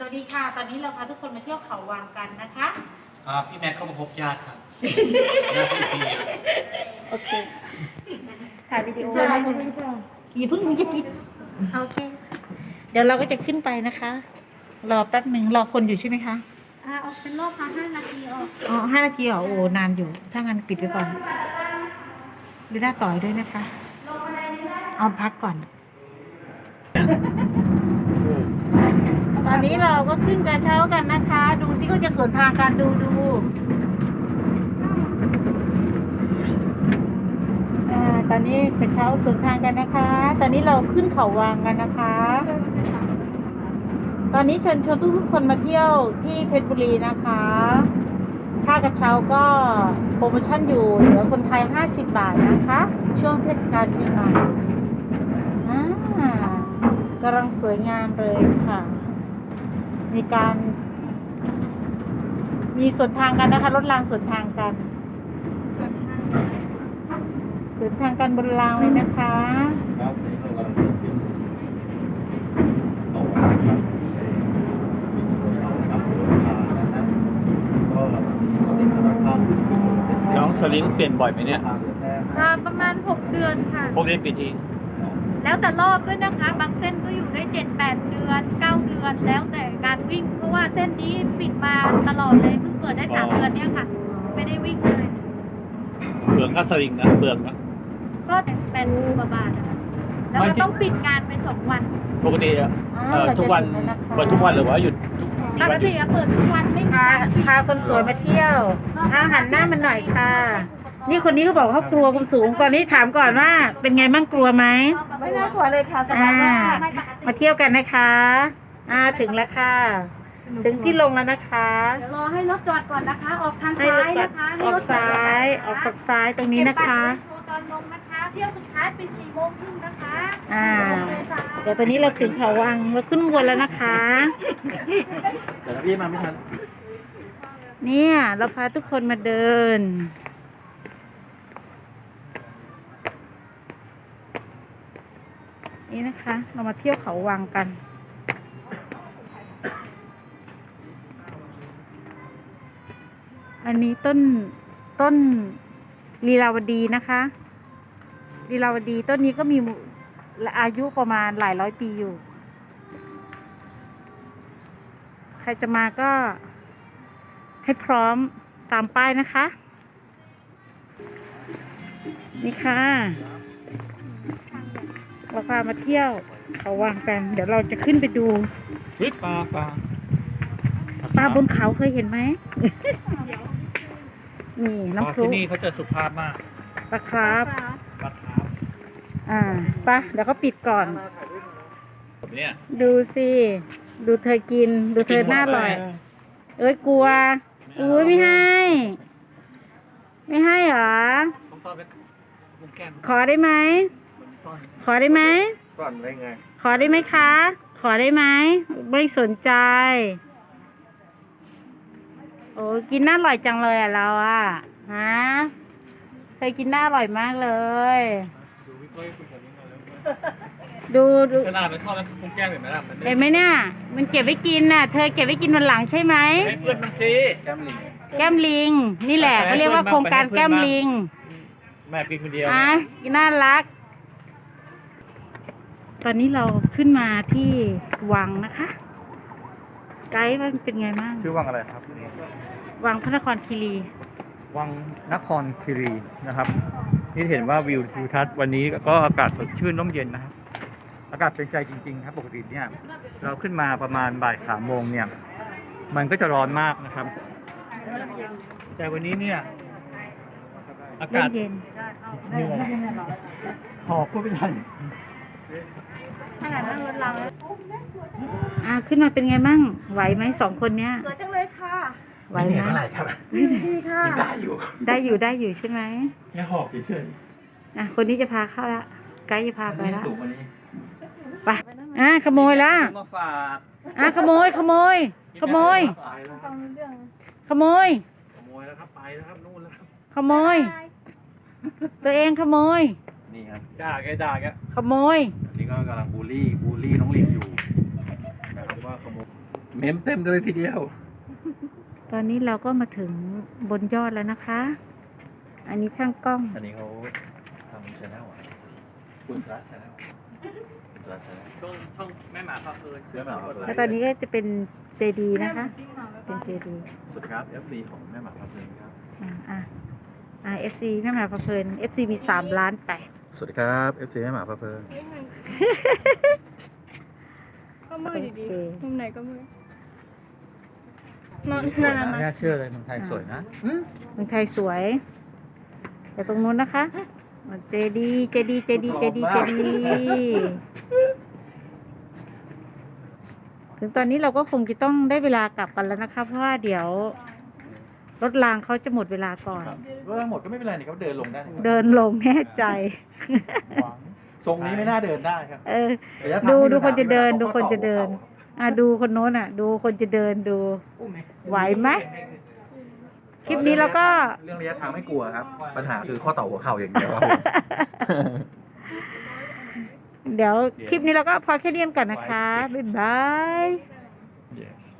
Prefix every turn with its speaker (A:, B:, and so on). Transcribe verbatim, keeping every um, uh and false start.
A: วัสดีค่ะ ตอนนี้เราพาทุกคนมาเที่ยวเขาวังกันนะคะ
B: อ่าพี่แม็กเข้ามาพบญาติครับญาติพี่พี
A: โอเค ถ่ายวิดีโอนะคุณอย่าเพิ่งมึงจะปิดโอเค เดี๋ยวเราก็จะขึ้นไปนะคะ รอแป๊บหนึ่งรอคนอยู่ใช่ไหมคะ
C: อ่าออกเป็นรอบค่ะห้านาทีออก
A: อ๋อห้านาทีเหรอ โอ้ นานอยู่ ถ้างั้นปิดไว้ก่อน ดูหน้าต่อยด้วยนะคะ เอาพักก่อน ตอนนี้เราก็ขึ้นกระเช้ากันนะคะ ดูที่เขาจะสวนทางกันดูดูอ่าตอนนี้กระเช้าสวนทางกันนะคะ ตอนนี้เราขึ้นเขาวังกันนะคะ ตอนนี้เชิญชวนทุกๆคนมาเที่ยวที่เพชรบุรีนะคะค่ากระเช้าก็โปรโมชั่นอยู่เหลือคนไทยห้าสิบบาทนะคะ ช่วงเทศกาลปีใหม่อ่ากำลังสวยงามเลยค่ะ มีการมีสวนทางกันนะคะรถรางสวนทางกันสวนทางกันบนรางเลยนะคะ
D: ครับนี่เรากำลังจะขึ้นเขาวังครับนะครับก็เราติดกำลังข้าม
B: น้องสลิงเปลี่ยนบ่อยไหมเนี่ย
C: อ่าประมาณหกเดือนค่ะ
B: พวกนี้เปลี่ยนที
C: แล้วแต่รอบด้วยนะคะ บางเส้นก็อยู่ได้เจ็ดแปดเดือนเก้าเดือน แล้วแต่การวิ่ง เพราะว่าเส้นนี้ปิดมาตลอดเลย เพิ่งเปิดได้สามเดือนเนี่ยค่ะ ไม่ได้วิ่งเลย
B: เปลืองค่าสลิงนะเปลืองนะ
C: ก็แปดหมื่นกว่าบาทนะคะแล้วก็ต้องปิดงานไปสองวัน
B: ปกติอะเอ่อทุกวันเปิดทุกวันหรือว่าหยุดทุกมี
C: ปก
B: วันหยุ
C: ติ
B: ด
C: อะเปิดทุกวันไม่มี
A: พา
C: การปิด
A: พาคนสวยมาเที่ยวอาหันหน้ามันหน่อยค่ะ นี่คนนี้เขาบอกเขากลัวความสูงก่อนนี้ถามก่อนว่า เป็นไงบ้างกลัวไหม
C: ไม่น่ากลัวเลยค่ะสบา
A: อ่าย
C: มากไม่ปกติ
A: มาเที่ยวกันนะคะอ่าถึงแล้วค่ะ ถึงที่ลงแล้วนะคะ
C: เดี๋ยวรอให้รถจอดก่อนนะคะ ออกทาง
A: ให้
C: ซ้าร
A: ถ
C: ย
A: จอด
C: นะคะให้
A: ออ
C: ร
A: ก
C: ถจอด
A: ซ้ายออกจากซ้ายตรงนี้นะคะ
C: เก็บบัตรไว้โชว์ตอนลงนะคะ เที่ยวสุดท้ายปิดสี่โมงครึ่งนะคะ
A: อ่า เดี๋ยวตอนนี้เราถึงเขาวังเราขึ้นบนแล้วนะคะ
D: แต่พี่มาไม่ทัน
A: เนี่ยเราพาทุกคนมาเดิน นี่นะคะ เรามาเที่ยวเขาวังกัน อันนี้ต้นต้นลีลาวดีนะคะลีลาวดีต้นนี้ก็มีอายุประมาณหลายร้อยปีอยู่ ใครจะมาก็ให้พร้อมตามป้ายนะคะ นี่ค่ะ เราพามาเที่ยวเขาวังกัน เดี๋ยวเราจะขึ้นไปดู
B: เฮ้ยปลาปลา
A: ปลาบนเขาเคยเห็นไหม นี่
B: ปลา
A: น้ำพรุ
B: ที่นี่เขาจะสุภาพมาก
A: ปลาครับ
B: ปลาขาว
A: อ่าไปะเดี๋ยวเขาปิดก่อน
B: แบบเนี้ย
A: ดูสิ ดูเธอกิน ดูเธอหน้าอร่อย เอ้ยกลัว อุ้ยไม่ให้ ไม่ให้เหรอ
B: ต้องซ่อนไว้มุมแก้ม
A: ขอได้ไหม
B: ซ่อน
A: ขอได้ไหม
D: ก่อนได้ไง
A: ขอได้ไหมคะ ขอได้ไหม ไม่สนใจ โอ้กินน่าอร่อยจังเลยอ่ะเราอ่ะ ฮะเคยกินน่าอร่อยมากเลย
B: ดูพี่ก้อยคุยกับนี้มาแล้ว
A: ดูดู
B: ขนาดไปซ่อนไว้มุมแก้มเห็นไหมล่ะมัน
A: เห็นไหมเนี่ย มันเก็บไว้กินน่ะ เธอเก็บไว้กินวันหลังใช่ไหม
B: ให้เพื่อนมันชี้แก้มลิง
A: แก้มลิง นี่แหละเขาเรียกว่าโครงการแก้มลิง
B: แม่กินคนเดียว
A: อ่ะน่ารัก ตอนนี้เราขึ้นมาที่วังนะคะ ไกด์ว่ามันเป็นไงบ้าง
E: ชื่อวังอะไรครับ
A: วังพระนครคีรี
E: วังนครคีรีนะครับ นี่เห็นว่าวิวทิวทัศน์วันนี้ก็อากาศสดชื่นร่มเย็นนะครับ อากาศเป็นใจจริงๆครับปกติเนี่ยเราขึ้นมาประมาณบ่ายสามโมงเนี่ย มันก็จะร้อนมากนะครับ แต่วันนี้เนี่ยอากาศ
A: เย็น
E: เหนื่อยหอบพูดไม่ทัน
C: ขนาดนั่งรถเรา
A: ๆอ่ะขึ้นมาเป็นไงบ้างไหวไหมสองคนเนี้ย
C: สวยจังเลยค่ะ
A: ไหวไหม
D: เท่าไหร่ครับ
C: ดีค่ะ
D: ได้อยู่
A: ได้อยู่ได้อยู่ใช่ไหม
D: แค่หอบเฉย
A: อ่ะคนนี้จะพาเข้าละไกด์จะพา
D: ๆ
A: ไปละ
D: สูงกว่านี้
A: ไปอ่ะขโมยละ
E: มาฝาก
A: อ่ะขโมยขโมย ขโมย
D: ไปแล้วครับ
A: ขโมย
D: ขโมยแล้วครับ ไปแล้วครับ นู่นแล้วครับ
A: ขโมย ตัวเองขโมย
D: นี่ครับ
B: ด่าแกด่าแก
A: ขโมย
D: อันนี้ก็กำลังบูลลี่ บูลลี่น้องลิงอยู่นะครับว่าขโมยเมมเต็มเลยทีเดียว
A: ตอนนี้เราก็มาถึงบนยอดแล้วนะคะ อันนี้ช่างกล้อง
D: อันนี้เขาทำชาแนลคุณพระชาแนลคุณพระชาแนล
E: ช่วงช่องแม่หมาพาเพลิน
D: แม่หมาพาเพลิ
A: แล้วตอนนี้ก็จะเป็นเจดีนะคะ เป็นเจดี
D: สวัสดีครับ เอฟ ซี ของแม่หมาพาเพลินครับ
A: อ่าอ่าอ่า เอฟ ซี แม่หมาประเพลิน เอฟ ซี มีสามล้านไป
D: สวัสดีครับ เอฟ ซี แม่หมาพาเพลิน
F: ก็มืดอยู่ดี
A: โอเค
F: มุมไหนก็มืดนอนนาน
E: ไม่
F: นะ
E: น่าเชื่อเลยเมืองไทยสวยนะ
A: เมืองไทยสวย แต่ตรงนู้นนะคะเจดีเจดีเจดีเจดีเจดีถึงตอนนี้เราก็คงจะต้องได้เวลากลับกันแล้วนะคะ เพราะว่าเดี๋ยว รถรางเขาจะหมดเวลาก่อน
D: เรื่องหมดก็ไม่เป็นไรนี่เขาเดินลงได้
A: เดินลงแน่ใจ
D: ทรงนี้ไม่น่าเดินได้ครับ
A: เออ
D: ระยะทาง
A: ดู
D: ไม่
A: ดูคนจะเดิน
D: ไม่
A: ดูคนจะเดิน
D: ต้องข้า
A: อ่ะดูคนโน้นอ่ะ ดูคนจะเดินดู ไหวไหม คลิปนี้เราก็
D: เรื่องระยะทางไม่กลัวครับ ปัญหาคือข้อต่อหัวเข่าอย่างเดียวครับผม
A: เดี๋ยวคลิปนี้เราก็พอแค่นี้ก่อนนะคะ บ๊ายบาย
E: Yes